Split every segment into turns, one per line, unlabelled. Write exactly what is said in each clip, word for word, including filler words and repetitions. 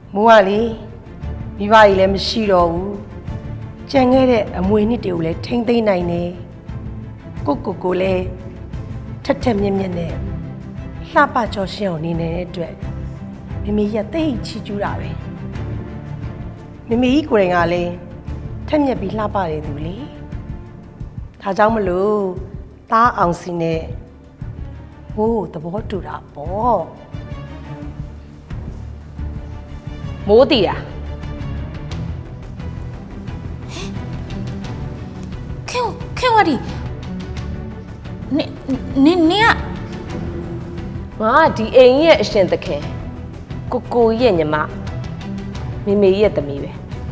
မိုးကလေမိဘကြီးလည်းမရှိတော့ဘူးကြံခဲ့တဲ့အမွေနှစ်တွေကိုလည်းထိမ့်သိမ့်နိုင်တယ်ကိုကိုကိုလည်းထက်ထက်မြက်မြက်နဲ့လှပကြောရှင်းအောင်နေနေတဲ့အတွက်မမေကြီးကတိတ်ချီကျူးတာပဲမမေကြီးကိုယ်တိုင်ကလည်းထက်မြက်ပြီးလှပတယ်သူလေဒါကြောင့်မလို့သားအောင်စီနဲ့ဟိုးသဘောတူတာပေါ့
မိုးတီတာ
ခင်ခင်ဝဒီနင်နင်နင်က
ငါကဒီအိမ်ရဲ့အရှင်သခင်ကိုကိုရဲ့ညီမမေမေရဲ့သမီးပဲ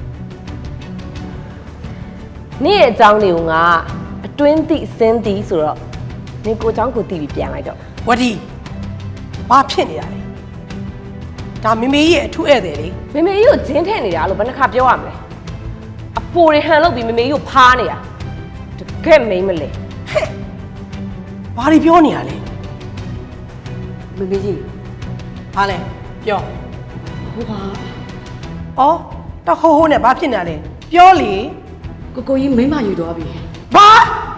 နေ့ရဲ့အကြောင်းတွေကိုငါအတွင်းသိစင်းသိဆိုတော့နင်ကိုเจ้าကိုသိပြီးပြန်လိုက်တော့
ဝဒီဘာဖြစ်နေတာလဲဒါမမေကြီးရဲ့အထူးဧည့်သည်လေ
မေမေကြီးကိုဂျင်းထည့်နေတာလို့ဘယ်နှခါပြောရမလဲအပိုတွေဟန်လုပ်ပြီးမေမေကြီးကိုဖားနေတာတကယ်မိမ့်မလဲ
ဘာတွေပြောနေရလဲ
မေမေကြီး
ဘာလဲပြော
ဟိုပါ
ဩတဟိုးဟိုးနဲ့ဘာဖြစ်နေရလဲပြောလေ
ကိုကိုကြီးမိမယူသွားပြီ
ဘာ